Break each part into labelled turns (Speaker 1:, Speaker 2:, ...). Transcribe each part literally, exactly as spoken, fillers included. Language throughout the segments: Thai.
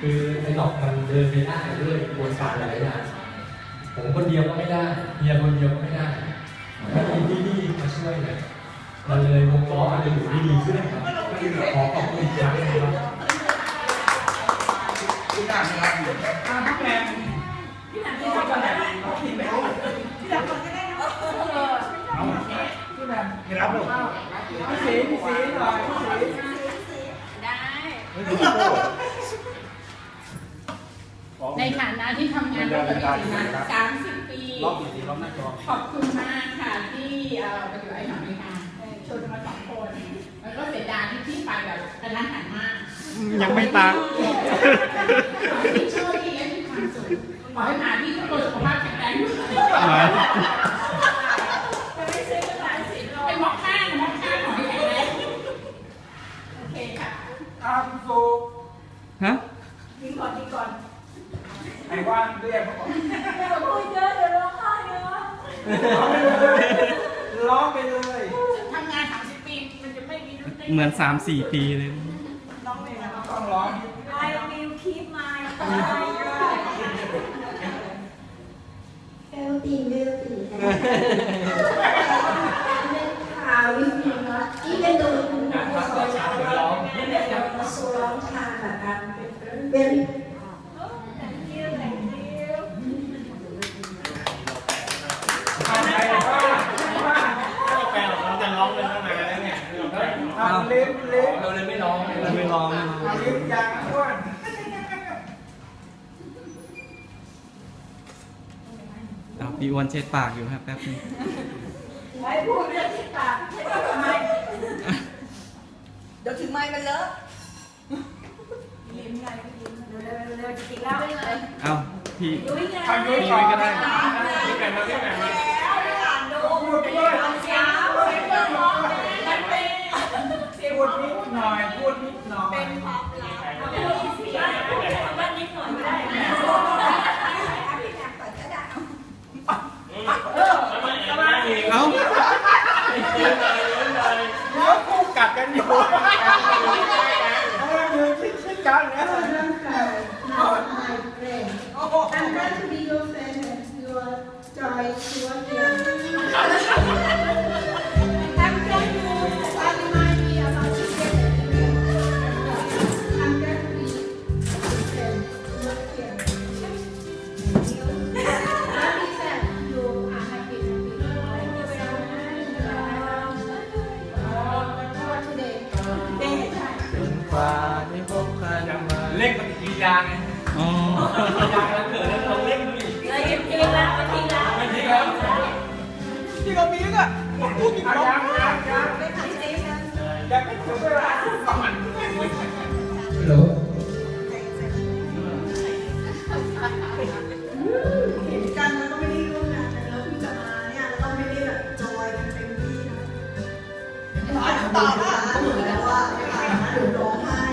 Speaker 1: คือไอ้หลอกมันเดินไปได้ด้วยกระบวนการหลายอย่างผมคนเดียวก็ไม่ได้เมียคนเดียวก็ไม่ได้ไม่มีที่นี่มาช่วยเนี่ยมันเลยวงล้อมันจะอยู่ได้ดีขึ้นครับขอขอบคุณอีกครั้งนะครับ
Speaker 2: พี่หนักนะครับพี่แมนพี่หนักที่ทำก่อนได้ไหมพี่แมนพี่หนักก่อนก็ได้นะเอาพี่แมนไม่รับหรอกพี่สีพี่สีหน่อยพี่สี
Speaker 3: ได้ในฐานะที่ทำงานมาเป็นสามสิบปีขอบคุณมากค่ะที่ไปอยู่ไอ้หนองนี่ค่ะชวนมาสองคนแล้วก็เสียดายที่ที่ไปแบบกระนั้นหันมาก
Speaker 4: ยังไม่ตาย
Speaker 3: ที่โชคดีและที่ความสุขขอให้หาที่ทุกคนสุขภาพแข็งแรงเป็นหมอกข้างหมอกข้างขอให้แข็งแรงโอเคค่ะ
Speaker 2: อาคุณโฟ
Speaker 4: ฮะ
Speaker 3: ยิงก่อนยิงก่อน
Speaker 2: ไอ้ว่านเรียกเขาบอก
Speaker 3: เดี๋ยวพูดเยอะเดี๋ยวร้องไห้เยอะ
Speaker 2: ร้องไปเลย
Speaker 3: ทำงานสามสิบปีมันจะไม่มี
Speaker 4: เหมือนสามสี่ปีเลย
Speaker 3: ร้องเลยนะ
Speaker 2: ต้องร้อง
Speaker 3: I will keep my healthy healthy ข่าววิธีเนาะที่เป็นตัวคุณผู้สอนร้องมาสู้ร้องทางแบบการเป็น
Speaker 2: เอาเล็บเล็บ
Speaker 1: เราเลยไม่ร้อง
Speaker 4: เราไม่ร้อง
Speaker 2: เอาเล็บยางอ้วน
Speaker 4: เอาพี่อ้วนเช็ดปากอยู่ครับแป๊บนึง
Speaker 3: ไม่พูดเรื่องที่ปากไม่ทำไมเดี๋ยวถึงไม้มันเลอะยิ้มไงยิ้มเร็วเร็วจะติดแล้วไปเลย
Speaker 4: เอาพี่
Speaker 2: ทำด้วย
Speaker 4: ก็ได้
Speaker 2: พี่แก่มาพี่แก่มา
Speaker 3: พูดด้วยช้าพูดด้วยร้องมันเป็น
Speaker 2: พูดนิดหน่อยพูดนิดหน่อย
Speaker 3: เป็นความลับพูดเสียว่านิดหน่อยไม่ได้พี่แหนมเปิดก็ได้
Speaker 2: เออ
Speaker 4: เอ้า
Speaker 2: แล้วคู่กัดกันอยู่มือชิดๆกันนะ
Speaker 3: Not my friend. I'm glad to be your friend and your joy to work here. I'm glad you remind me about you. I'm glad to be your friend to work here. Happy that you are happy. What today? Day.
Speaker 1: เล่นปฏิกิริยาไง
Speaker 4: อ๋อย
Speaker 1: างแล้วเกิดแล้วเราเล่นดูดิ
Speaker 3: เลยทิ้งแล้วทิ้งแล้ว
Speaker 1: ทิ้งแล้ว
Speaker 2: ที่เรามีก็พูดอีกแล้วยังยังยัง
Speaker 3: ไม่ทันเจ๊กัน
Speaker 2: ยังไม่ถึงเวลาสอน
Speaker 1: ฮัลโหล
Speaker 3: เห็นกันแล้วก็ไม่ได้ร่วมงานกันแล้วพี่จะมาเนี่ยแล้วก็ไม่ได้แบบจอยกันเต็มที่นะร้อนต่อว่าเหมือนแล้วว่าไม่ได้หนูร้องไห้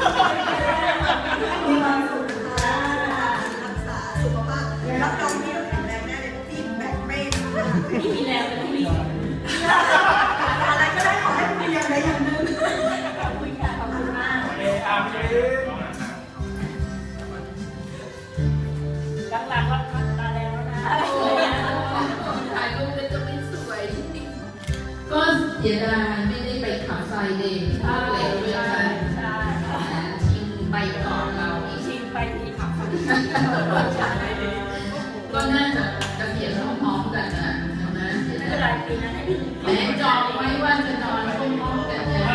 Speaker 3: มีความสุขรักษาสุขภาพรับรองพี่ต้องแข็งแรงแน่เลยพี่แบกไม่พี่มีแรงแต่พี่มีอะไรก็ได้ขอให้มีอย่างใดอย่างหนึ่งขอบคุณค่ะขอบคุณมาก
Speaker 2: เออาร์พี
Speaker 3: หลังๆรับตาแล้วนะถ่ายรูปแล้วจะไม่สวยก็เสียดายไม่ได้ไปขับไฟเดย์ที่ภาคเหลวเลยค่ะชิงไปก่อนเราชิงไปที่ขับไฟก็น่าจะเกษียณพร้อมๆกันนะใช่ไหมไม่เป็นไรปีนั้นให้พี่แม่จองไว้ว่าจะนอนพร้อมๆกันเลย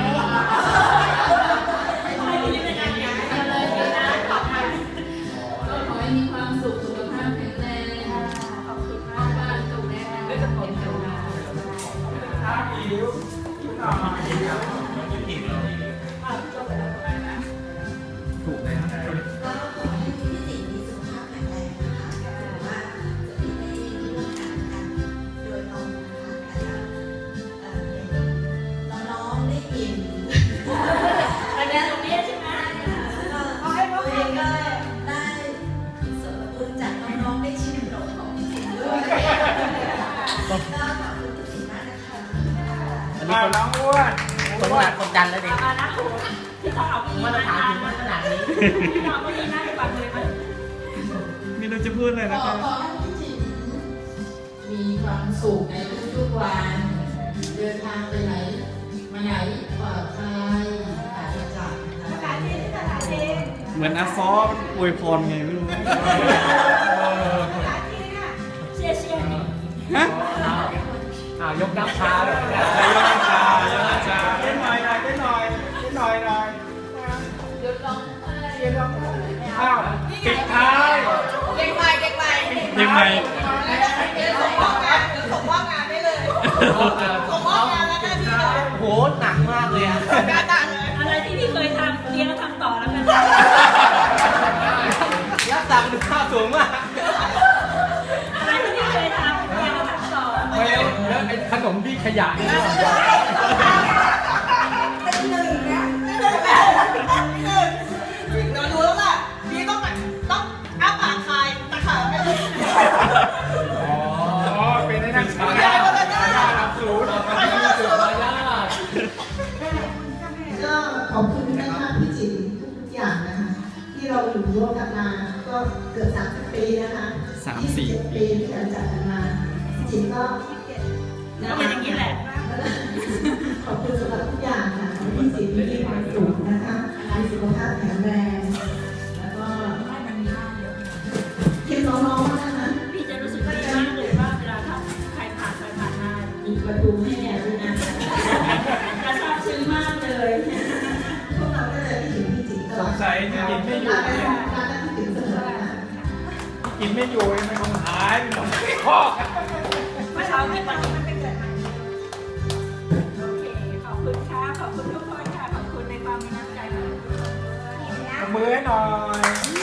Speaker 3: ไม่ได้เป็นงานใหญ่เลยปีนั้นขอบคุณก็ขอให้มีความสุขสุขภาพแข็งแรงขอบคุณมากบ้านตรงแรกได้จะเป็นเจ้าหน้า
Speaker 2: อาผิวหน่อย
Speaker 4: ถูกเลยครับ
Speaker 3: ก็ขอให้พี่สิงห์มีสุขภาพแข็งแรงนะคะหรือว่าจะไม่ได้มีเรื่องการกันโดยน้องนะคะแต่น้องได้ยินอันนี้ตรงนี้ใช่ไหมเอาให้น้องเองก็ได้ส่วนบุญจากน้องๆได้ชิมรสของพี่สิงห์ด้วยก็ขอบคุณพี่สิงห์มากนะคะ
Speaker 2: อันนี้คนน้องอ้วน
Speaker 5: คนหนักกดดันแล้วเด็ก
Speaker 3: ที่ต้องเอาพี่มาถามถึงขนาดนี้พี่น้องก็ดีนะ
Speaker 4: รู้จะพูดอะไร
Speaker 3: ข
Speaker 4: นะ
Speaker 3: อ
Speaker 4: ครับ
Speaker 3: ขอให้พี่จิ๋มมีความสุขในทุกๆวัน เดินทางไปไหน มาไหนปลอดภัยปราศจากอันตราย
Speaker 4: เหมือนอาซออวยพรไงไม่รู้ฮะ
Speaker 1: อ้าวยกน้ำชาเลย
Speaker 4: ยกน้ำชายกน้ำชา
Speaker 2: เต้นหน่อยหน่อยเต้นหน่อยเต้นหน่อยหน่อย
Speaker 3: หยุดร้องไห้
Speaker 2: เต้นร้องอ้าวปิดท้าย
Speaker 5: เด็กใหม่เด็กใหม่
Speaker 4: ยังไง
Speaker 5: เดี๋ยวส่งมอบงานเดี๋ยวส่งมอบงานได้เลยส่งมอบงานแล้วหน้าที่เลย
Speaker 1: โหหนักมากเลยอ่ะ
Speaker 5: การต่างเลย
Speaker 6: อะไรที่พี่เคยทำเรียนก็ทำต่อแล้วกัน
Speaker 1: ยักษ์ตังค์ดูค่าสูงมาก
Speaker 6: อะไรที่พี่เคยทำเรียนก็ทำต่อ
Speaker 1: ไม่แล้วแล้วไอ้ขนมที่ขยะนี่
Speaker 5: เป็นหนึ่งนะเป็นหนึ่งเดี๋ยวรู้แล้วล่ะพี่ต้องแบบต้องอ้าปากคายตะขาบไปเลย
Speaker 1: อ๋อ
Speaker 2: อ๋อเป็นในนักศึกษา
Speaker 5: ได้ก็ได้
Speaker 2: สูง
Speaker 5: ไปยากสุด
Speaker 1: มายา
Speaker 7: ก็ขอบคุณนะคะพี่จิ๋มทุกๆอย่างนะคะ ที่เราอยู่ร่วมกันมาก็เกือบสามสิบปีนะคะ
Speaker 4: สามสี่
Speaker 7: ยี่สิบเจ็ดปีที่เราจัดกันมาพี่จิ๋มก็
Speaker 6: ก็เป็นอย่างนี้แหละ
Speaker 7: ขอบคุณสำหรับทุกอย่างค่ะขอให้พี่จิ๋มมีความสุขนะคะมีสุขภาพแข็งแรงแล้วก็คิดน้องๆนะคะ
Speaker 6: พี่จะรู้สึกดีมากเลยว่าเวลาถ้าใครผ่านไปผ่านมา
Speaker 7: อีกประตูให้แนวด้วยนะ
Speaker 6: จะซาบซึ้งมากเลย
Speaker 7: พวกเราก็จะได้ถึงพี่จิ๋มต
Speaker 2: ส
Speaker 7: ลอง ด
Speaker 2: สัยจะกินไม่อยู่
Speaker 7: รัก
Speaker 2: เนี่ย
Speaker 7: รักพี่จิ๋มเสมอค่ะ
Speaker 2: กินไม่อยู่มันคงหายมันคงคอก
Speaker 6: เมื่อเช้าที่วันนี้มันเป็นเกิดใหม่โอเค ขอบคุณค่ะ ขอบคุณทุกคนค่ะ ขอบคุณในความมีน้ำใจของทุกคนด้วย
Speaker 2: มือให้หน่อย